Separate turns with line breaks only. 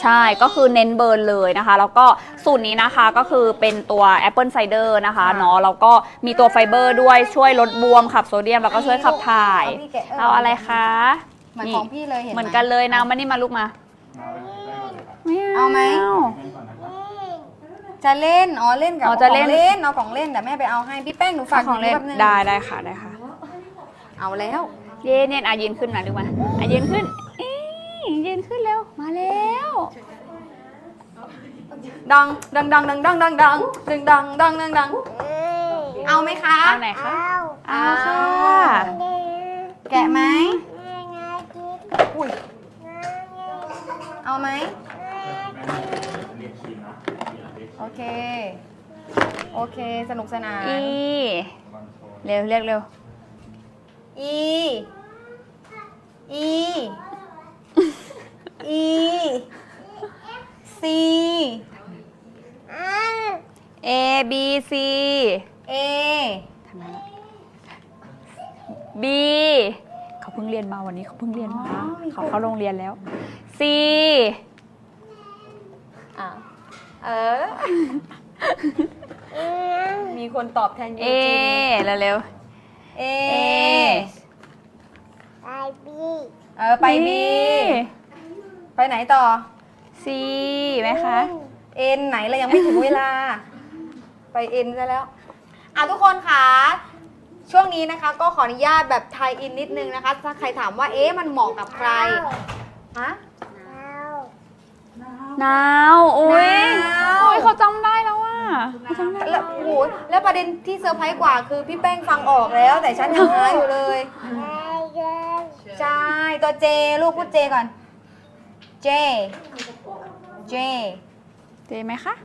ใช่ก็คือเน้นเบิร์นเลยนะคะแล้วก็สูตรนี้นะคะก็คือเป็นตัวแอปเปิลไซเดอร์นะคะเนาะแล้วก็มีตัวไฟเบอร์ด้วยช่วยลดบวมขับโซเดียมแล้วก็ช่วยขับถ่ายเอาอะไรคะ
เหมือนของพี่เลยเห็นไหม
เหมือนกันเลยนะมานี่มาลูกมาไม่
เอาไหม จะเล่นอ๋อเล่นกับ
อ๋อจะเล่น
เอาของเล่นแต่แม่ไปเอาให้พี่แป้งหนูฝาก
ของเล่น
แป๊บนึง
ได้ค่ะได้ค่ะ
เอาแล้ว
เย็นเย็นยืนขึ้นมาดูมายืนขึ้นยืนขึ้นเร็วมาแล้ว
ดังเอาไหมคะ
เอาไหนคะเอาค่ะ
แกะไหมอุ้ยเอาไหมโอเคสนุกสนาน
อีเร็วเรียกเร็ว
อีซี
A B C
เอ
ทำไมล่ะ B เขาเพิ่งเรียนมาวันนี้เขาเพิ่งเรียนมาเขาเข้าโรงเรียนแล้ว C
อ่ะมีคนตอบแทนยู
A
จิน
เร็ว
เอ
A
ไปบี ไปไหนต่อ
C ไหมคะ
เอ็นไหนเรายังไม่ถึงเวลา ไปเอ็นซะแล้วทุกคนค่ะช่วงนี้นะคะก็ขออนุญาตแบบไทยอินนิดนึงนะคะถ้าใครถามว่ามันเหมาะกับใครฮะ
นาวอุ้ย
นาว
โอ้ยเขาจำได้แล้วอ่ะเขาจำได้
แล้วโอ้โหแล้วประเด็นที่เซอร์ไพรส์กว่าคือพี่แป้งฟังออกแล้ว แต่ฉันยังหาอยู่เลยใช่ตัวเจลูกพูดเจก่อนเจ
เจไหมคะ